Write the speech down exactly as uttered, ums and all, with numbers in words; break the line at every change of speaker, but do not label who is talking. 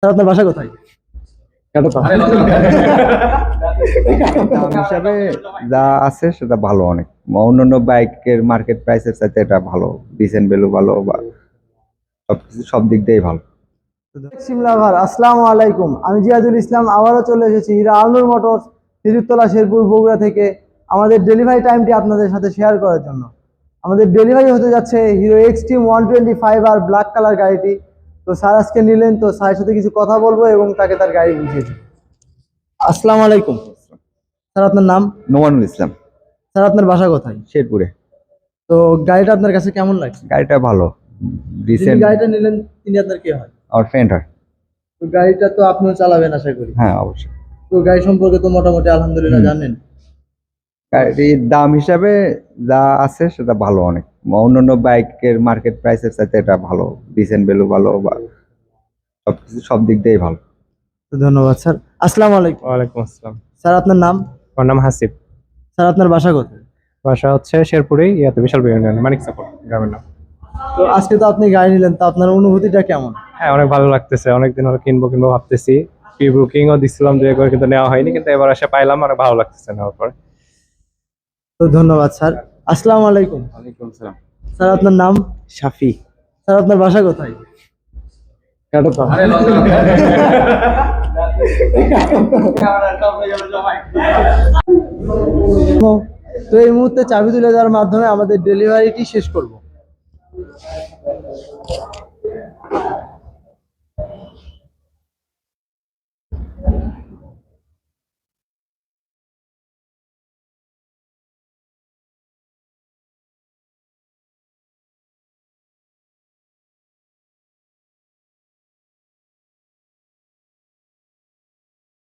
Sir আপনার বাসা কোথায়?
দাম হিসাবে যা আছে সেটা ভালো অনেক। অন্যান্য বাইকের মার্কেট প্রাইসের চাইতে এটা ভালো, ডিসেন্ট ভ্যালু ভালো, বা সবকিছু সব দিক দিয়েই ভালো।
সিমলাভার আসসালামু আলাইকুম, আমি জিয়াদুল ইসলাম আবারও চলে এসেছি হিরো আলনুর মোটরস হিজুরতলা শেরপুর বগুড়া থেকে আমাদের ডেলিভারি টাইমটি আপনাদের সাথে শেয়ার করার জন্য। আমাদের ডেলিভারি হতে যাচ্ছে Hero Xtreme one twenty five আর ব্ল্যাক কালার গাড়িটি। তো স্যার আজকে নিলেন, তো স্যারের সাথে কিছু কথা বলবো এবং তাকে তার গাড়ি বুঝিয়ে দেবো। আসসালামু আলাইকুম স্যার, আপনার নাম?
নোমানুল ইসলাম।
স্যার আপনার বাসা কোথায়?
শেরপুরে।
তো গাড়িটা আপনার কাছে কেমন লাগছে?
গাড়িটা ভালো,
যিনি
ডিসেন্ট।
গাড়িটা নিলেন তিনি আপনার কে হয়?
আমার ফ্রেন্ড হয়।
তো গাড়িটা তো আপনিও চালাবেন আশা করি।
হ্যাঁ, অবশ্যই।
তো গাড়ি সম্পর্কে তো মোটামুটি আলহামদুলিল্লাহ
হুম।
জানেন।
গাড়ির দাম হিসাবে যা আছে সেটা ভালো অনেক। অন্যান্য বাইকের মার্কেট প্রাইসের চাইতে এটা ভালো, ডিসেন্ট ভ্যালু ভালো, বা সবকিছু সব দিক দিয়েই ভালো।
তো ধন্যবাদ স্যার। আসসালামু আলাইকুম।
ওয়ালাইকুম আসসালাম।
স্যার আপনার নাম?
আমার নাম হাসিব।
স্যার আপনার বাসা কোথায়?
বাসা হচ্ছে শেরপুরে, ইয়াতে বিশাল ইউনিয়নে, মানিক সাপোর্ট গ্রামের নাম।
তো আজকে তো আপনি গাড়ি নিলেন, তো আপনার অনুভূতিটা কেমন?
হ্যাঁ, অনেক ভালো লাগতেছে। অনেকদিন হলো কিনবো কিনবো ভাবতেছি। প্রি বুকিংও দিছিলাম দুই একবার, কিন্তু নেওয়া হয়নি, কিন্তু এবার এসে পাইলাম, অনেক ভালো লাগতেছে নেওয়ার পরে।
তো ধন্যবাদ স্যার। আসসালামু আলাইকুম।
ওয়ালাইকুম আসসালাম।
স্যার আপনার নাম?
শাফি।
স্যার আপনার বাসা কোথায়? তো এই মুহূর্তে চাবি তুলে দেওয়ার মাধ্যমে আমাদের ডেলিভারিটি শেষ করব।